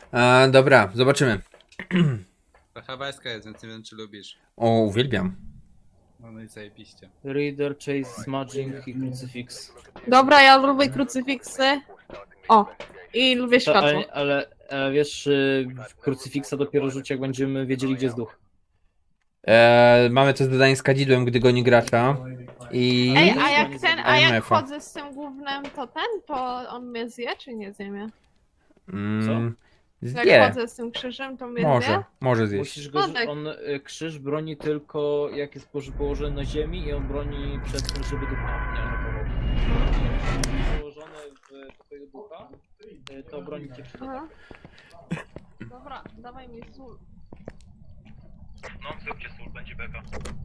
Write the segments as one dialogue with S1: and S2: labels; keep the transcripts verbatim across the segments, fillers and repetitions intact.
S1: A, dobra, zobaczymy.
S2: To hawajska jest, więc nie wiem czy lubisz.
S1: O, uwielbiam.
S2: No, no i zajebiście.
S3: Reader, Chase, Smudging i Crucifix.
S4: Dobra, ja lubię krucyfiksy. O, i lubię
S3: To,
S4: światło.
S3: ale, ale, ale wiesz, y, Crucifixa dopiero rzuci, jak będziemy wiedzieli, gdzie jest duch.
S1: E, mamy to zadanie z kadzidłem, gdy goni gracza. I...
S4: Ej, a jak ten, a jak
S1: I M F-a.
S4: chodzę z tym głównym, to ten, to on mnie zje, czy nie zje mnie?
S1: Mm,
S4: Jak
S1: zje.
S4: chodzę z tym krzyżem, to mnie
S1: Może,
S4: zje?
S1: może zjeść.
S3: Musisz go,
S4: No tak.
S3: on y, krzyż broni tylko jak jest poży- położony na ziemi i on broni przed tym, żeby ducha nie atakował. Jeśli jest położony w twojego ducha, y, to broni cię przed
S4: Aha.
S3: atakiem.
S4: Dobra, dawaj mi sól.
S5: No, zróbcie sól, będzie beka.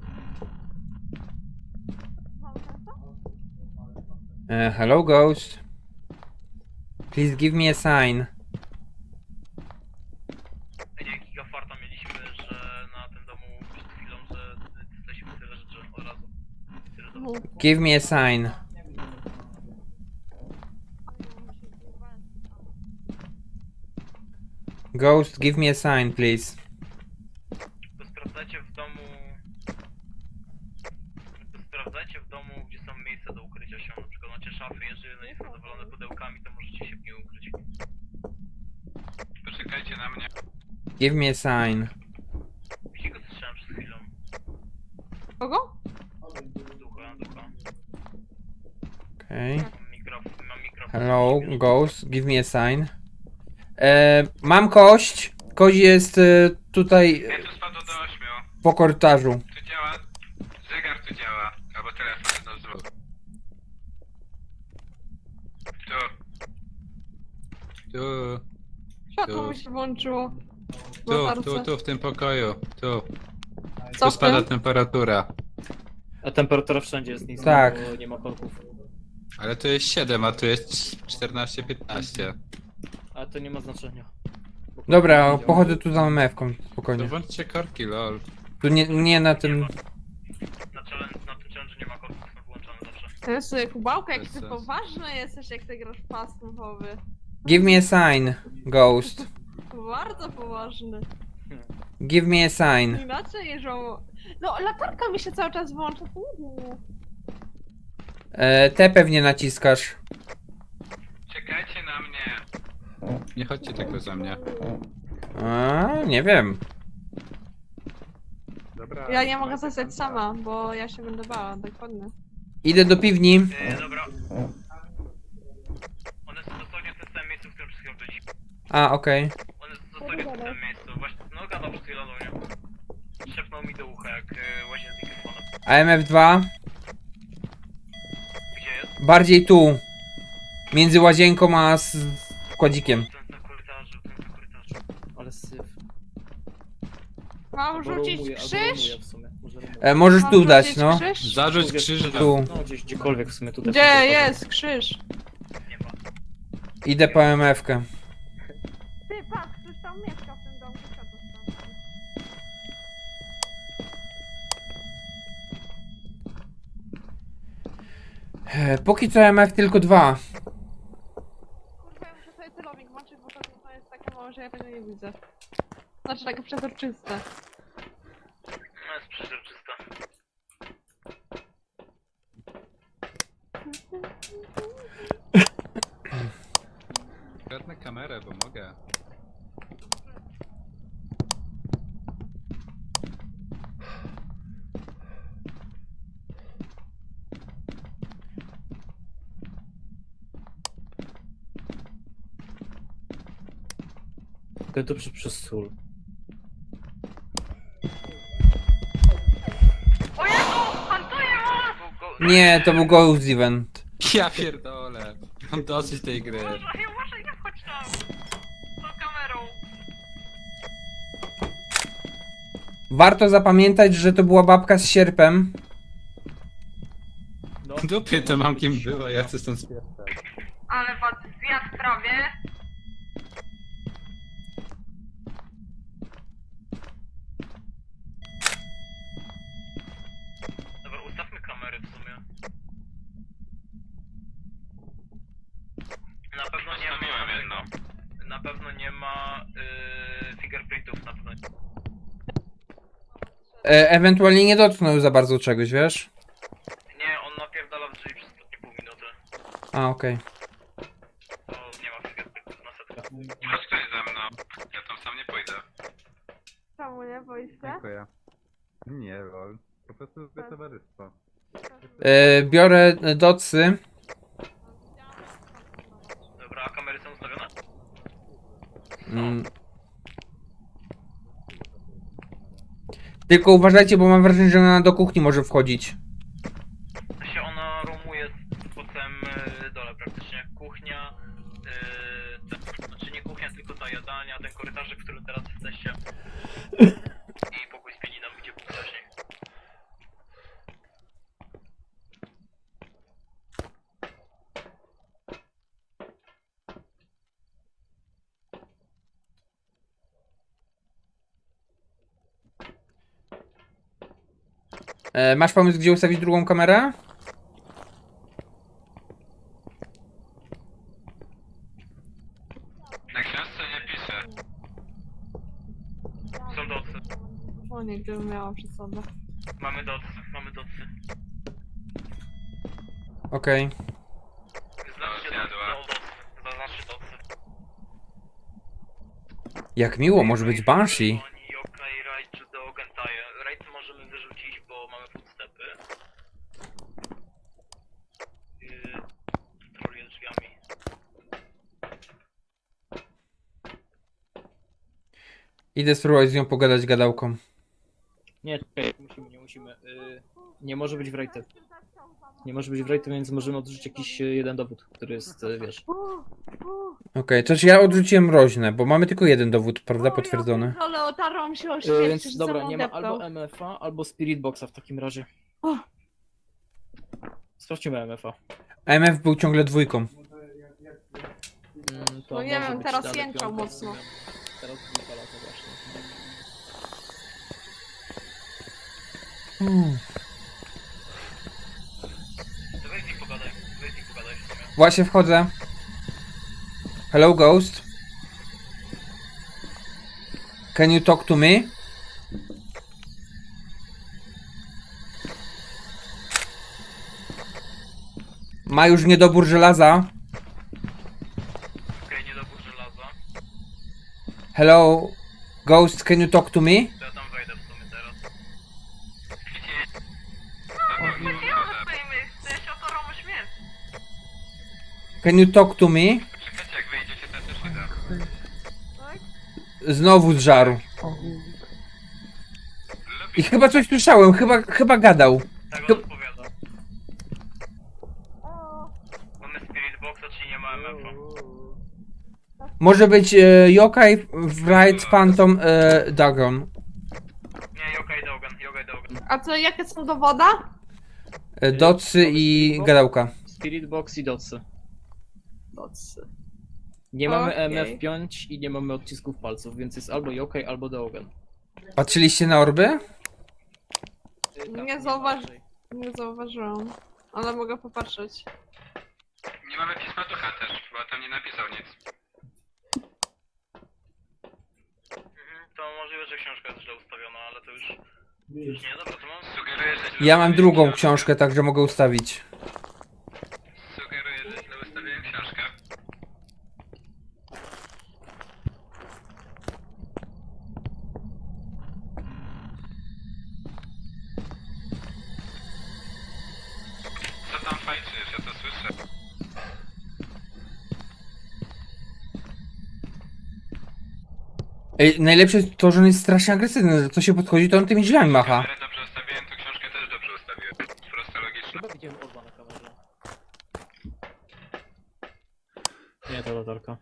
S1: E, hello, ghost. Please give me a sign.
S5: Nie, giga farta mieliśmy, że na tym domu przed chwilą, że jesteśmy tyle rzeczy od razu. Tyle do...
S1: Give me a sign. Ghost, give me a sign, please.
S5: To sprawdzajcie w domu... To sprawdzajcie w domu, gdzie są miejsca do ukrycia się. Na przykład macie szafy, jeżeli one nie są zawalone pudełkami, to możecie się w nie ukryć.
S2: Poczekajcie na mnie.
S1: Give me a sign.
S5: Gdzie go słyszałem przed chwilą.
S4: Kogo?
S5: Ducha, ducha.
S1: Okay.
S5: Mam mikrofon, mam mikrofon.
S1: Hello, ghost, give me a sign. E, mam kość. Kość jest e, tutaj
S2: Ja tu spadło do ośmiu.
S1: po korytarzu.
S2: Tu działa. Zegar tu działa. Albo telefon, jedno z dwóch. Tu. Tu.
S4: Światło
S2: Tu.
S4: mi się włączyło.
S2: Tu,
S4: Latarce.
S2: tu, tu w tym pokoju. Tu.
S4: Co
S2: Tu
S4: w
S2: spada
S4: tym?
S2: temperatura.
S3: A temperatura wszędzie jest niska,
S1: Tak.
S3: bo nie ma korków.
S2: Ale tu jest siedem, a tu jest czternaście piętnaście.
S3: Ale to nie ma znaczenia. Bo
S1: Dobra,
S3: korki nie
S1: pochodzę
S3: działają.
S1: tu za M F-ką,
S2: To
S1: spokojnie.
S2: włączcie korki, lol.
S1: Tu nie, nie na tym...
S5: Na, challenge, na tym challenge nie ma korków, są wyłączone zawsze.
S4: Jezu, Kubałka, jak
S2: Bez
S4: ty
S2: sensu.
S4: poważny jesteś, jak ty grasz pas mowy.
S1: Give me a sign, ghost.
S4: Bardzo poważny.
S1: Give me a sign.
S4: Inaczej jeżdżą. No, latarka mi się cały czas włącza. Uuu.
S1: E, te pewnie naciskasz.
S2: Czekajcie na mnie. Nie chodźcie tylko za mnie.
S1: A, nie wiem.
S2: Dobra.
S4: Ja nie mogę zostać sama, bo ja się będę bała, dokładnie.
S1: Idę do piwni.
S5: Yy, dobra. One są dosłownie w tym samym miejscu, w którym przed chwilą byliśmy.
S1: A, okej.
S5: One są dosłownie w tym samym miejscu. Właśnie, no gadał przed chwilą do mnie. Szepnął mi do ucha, jak yy, łazię z mikrofonem.
S1: A M F dwa?
S5: Gdzie jest?
S1: Bardziej tu. Między łazienką a z kładzikiem.
S5: Ten na korytarzu, ten na korytarzu.
S3: Ale syf.
S4: Mam
S3: Albo
S4: rzucić
S3: rumuje, albo
S4: krzyż?
S3: rumuje w sumie. Może rumuje.
S1: E, możesz
S4: Mam
S1: tu dać,
S4: rzucić
S1: no.
S4: Krzyż?
S2: Zarzuć
S3: Tu,
S2: krzyż.
S1: Tu.
S3: No gdzieś, gdziekolwiek w sumie tutaj.
S4: Gdzie jest krzyż?
S5: Nie ma.
S1: Idę po M F-kę.
S4: Ty, patrz, ktoś tam mieszka w tym domku, światło tam.
S1: E, póki co M F tylko dwa.
S4: Kurwa, ja muszę sobie celownik włączyć, bo to, to jest takie małe, że ja tego nie widzę. Znaczy takie przezroczyste.
S5: No jest przezroczysta.
S2: Kradnę kamerę, bo mogę.
S3: To przez, przez sól.
S5: O Jezu! Hantuję was!
S1: Nie, to był Ghost Event.
S2: Ja pierdolę. Mam dosyć tej gry.
S5: Uważaj, uważaj, nie wchodź tam! Z kamerą!
S1: Warto zapamiętać, że to była babka z sierpem.
S3: No.
S2: W dupie to mam kim było, ja chcę stąd spierdać.
S4: Ale was zjadł prawie.
S5: Dobra, ustawmy kamery w sumie. Na pewno nie ma...
S2: jedno.
S5: Na pewno nie ma... Yy,
S1: E, ewentualnie nie dotknął za bardzo czegoś, wiesz?
S5: Nie, on napierdala w drzwi przez ostatnie pół minuty.
S1: A, okej.
S5: To nie ma wszystkiego na setkę.
S2: Chodź ktoś ze mną. Ja tam sam nie pójdę.
S4: Czemu nie? Boisz się?
S2: Dziękuję. Nie, lol. Po prostu lubię towarzystwo.
S1: E, biorę e, docy.
S5: Dobra, a kamery są ustawione?
S1: Mm. Tylko uważajcie, bo mam wrażenie, że ona do kuchni może wchodzić.
S5: To się ona roamuje z potem y, dole praktycznie. Kuchnia, y, te, znaczy nie kuchnia, tylko ta jadalnia, ten korytarzyk, w którym teraz jesteście. I pokój z pianiną, gdzie był wcześniej.
S1: E, masz pomysł, gdzie ustawić drugą kamerę?
S2: Na książce nie piszę.
S5: Są docy.
S4: O nie, gdybym miała przy sobie.
S5: Mamy docy, mamy docy.
S1: Okej.
S5: Znaczcie
S2: zjadła.
S5: docy, zaznaczcie docy.
S1: Jak miło, może być Banshee.
S5: Oni, okej, raid czy do Gentaje. Raid możemy wyrzucić, bo mamy footstepy. Yy, troluję drzwiami.
S1: Idę spróbować z nią pogadać gadałką.
S3: Nie, czekaj, musimy, nie musimy. Y, nie może być w rejty. Nie może być w rejty, więc możemy odrzucić jakiś y, jeden dowód, który jest, y, wiesz.
S1: Okej, coś ja odrzuciłem mroźne, bo mamy tylko jeden dowód, prawda, potwierdzony.
S4: Ale otarłam się o
S3: Y,
S4: śmierć,
S3: więc
S4: że
S3: dobra,
S4: ze mną
S3: nie ma
S4: deptał.
S3: albo M F A, albo Spirit Boxa w takim razie.
S4: O.
S3: Sprawdźmy M F A.
S1: A M F był ciągle dwójką.
S3: Mm, to
S4: No nie
S3: może
S4: wiem,
S3: być
S4: teraz
S3: dalej
S4: jęczał
S3: piątka,
S4: mocno.
S3: rozumiem. Teraz dwójka lata właśnie.
S1: Hmm.
S5: To weź z nim pogadaj, weź z nim pogadaj w sumie.
S1: Właśnie wchodzę. Hello, Ghost. Can you talk to me? Ma już niedobór żelaza.
S5: Okej, niedobór żelaza.
S1: Hello, Ghost, can you talk to me?
S5: To ja tam wejdę w sumie teraz. Ja się otarłam o śmierć.
S1: Can you talk to me?
S2: Czekajcie, jak wyjdziecie, to też idę.
S1: Znowu z żaru. I chyba coś słyszałem, chyba, chyba gadał.
S5: Tak
S1: To-
S5: on odpowiada. Mamy Spirit Boxa, czyli nie ma M F A.
S1: Może być e, Yokai, Wright, Phantom, e, Dagon.
S5: Nie, Yokai Dogan, Yokai Dogan.
S4: A co, jakie są dowoda?
S1: E, Docy i gadałka.
S3: Spirit Box i Dotsy. Dotsy. Nie mamy
S4: Okej.
S3: M F pięć i nie mamy odcisków palców, więc jest albo Yokai, albo Dogan.
S1: Patrzyliście na orby?
S4: Nie zauważ- Nie zauważyłam. Ale mogę popatrzeć.
S2: Nie mamy pisma ducha też, bo tam nie napisał nic.
S5: Mhm, to możliwe, że książka jest źle ustawiona, ale to już... Już nie, dobra, to mam...
S2: Sugeruję, że źle
S1: Ja mam
S2: ustawiłem
S1: drugą
S2: książkę.
S1: książkę, także mogę ustawić.
S2: Sugeruję, że źle ustawiłem książkę. Co tam fajczysz? Ja to słyszę.
S1: Ej, najlepsze jest to, że on jest strasznie agresywny, że co się podchodzi, to on tymi drzwiami macha.
S2: Kamerę dobrze ustawiłem, to książkę też dobrze ustawiłem. Proste logiczne.
S3: Chyba widziałem orba na kamerze. Nie, to latarka.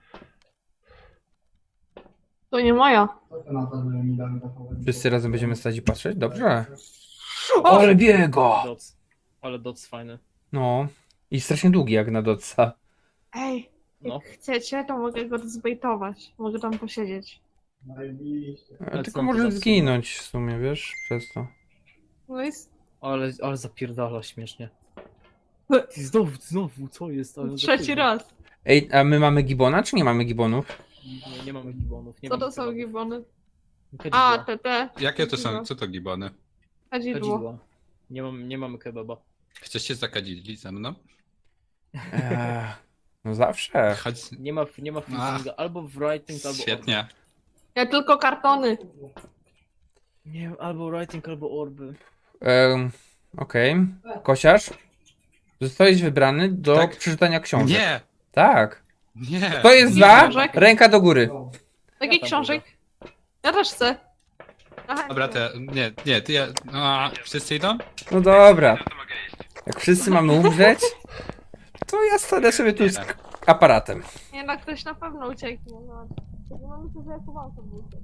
S4: To nie moja.
S1: Wszyscy razem będziemy stać i patrzeć? Dobrze. Ale biego!
S3: Dots. Ale Dots fajny.
S1: No. I strasznie długi jak na Dotsa.
S4: Ej,
S3: No.
S4: jak chcecie, to mogę go zbejtować. Mogę tam posiedzieć.
S1: E, Tylko
S3: tam
S1: może
S3: Dotsa.
S1: zginąć w sumie, wiesz, przez to.
S4: No i s-
S3: Ale, ale zapierdala śmiesznie. Ty znowu, znowu, co jest? Ale
S4: trzeci
S3: zapierdala.
S4: raz.
S1: Ej, a my mamy gibona, czy nie mamy gibonów?
S3: Nie, nie mamy gibonów. Nie
S4: Co
S3: mamy
S4: to są
S3: kebabów.
S4: gibony?
S3: Kedzidła.
S4: A, te, te.
S2: Jakie to są? Co to gibony?
S4: Kadzidło.
S3: Kadzidła. Nie, mam, nie mamy kebaba.
S2: Chcecie zakadzili ze mną?
S1: Eee, no zawsze.
S2: Chodź.
S3: Nie ma, nie ma freezinga. Albo w writing, albo
S2: Świetnie.
S4: Ja tylko kartony.
S3: Nie wiem, albo writing, albo orby.
S1: Ehm, Okej. Kosiarz? Zostałeś wybrany do
S2: Tak.
S1: przeczytania książek.
S2: Nie!
S1: Tak.
S2: Nie!
S1: To jest
S4: Nie
S1: za
S4: książek?
S1: ręka do góry.
S4: Takich
S3: tam
S4: książek. Ja też chcę. Aha,
S2: Dobra, to ja, nie, nie, ty ja, no, wszyscy idą?
S1: No dobra.
S2: No to mogę iść.
S1: Jak wszyscy mamy umrzeć, to ja stanę sobie tu z k- aparatem.
S4: Nie no, ktoś na pewno ucieknie. No, no myślę, że ja chowam to buty.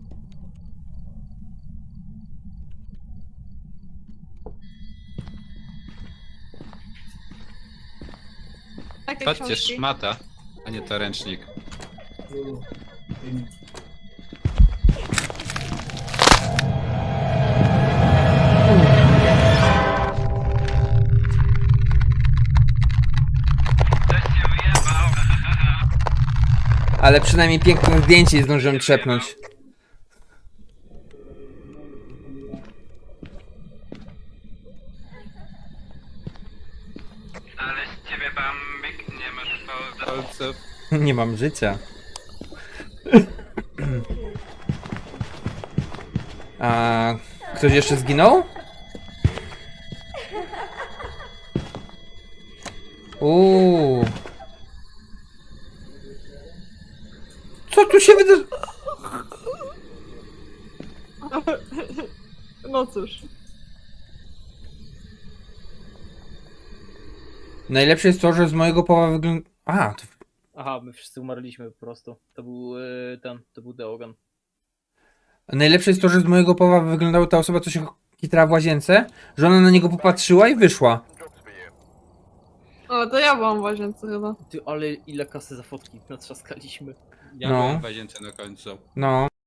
S4: Takie
S2: Patrzcie,
S4: książki.
S2: szmata, a nie to ręcznik.
S5: Ktoś się wyjebał.
S1: Ale przynajmniej piękne zdjęcie zdążyłem trzepnąć.
S5: Ale z ciebie bambik, nie masz fałda.
S2: Palców.
S1: Nie mam życia. A ktoś jeszcze zginął? Uuu. Co tu się wydarzy?
S4: No cóż.
S1: Najlepsze jest to, że z mojego powa wygląda... A, to...
S3: Aha, my wszyscy umarliśmy po prostu. To był yy, ten, to był Deogan.
S1: Najlepsze jest to, że z mojego powa wyglądała ta osoba, co się kitrała w łazience, że ona na niego popatrzyła i wyszła.
S4: O, to ja byłam w łazience chyba.
S3: Ty, ale ile kasy za fotki natrzaskaliśmy.
S2: Ja
S1: No.
S2: byłem w łazience na końcu.
S1: No.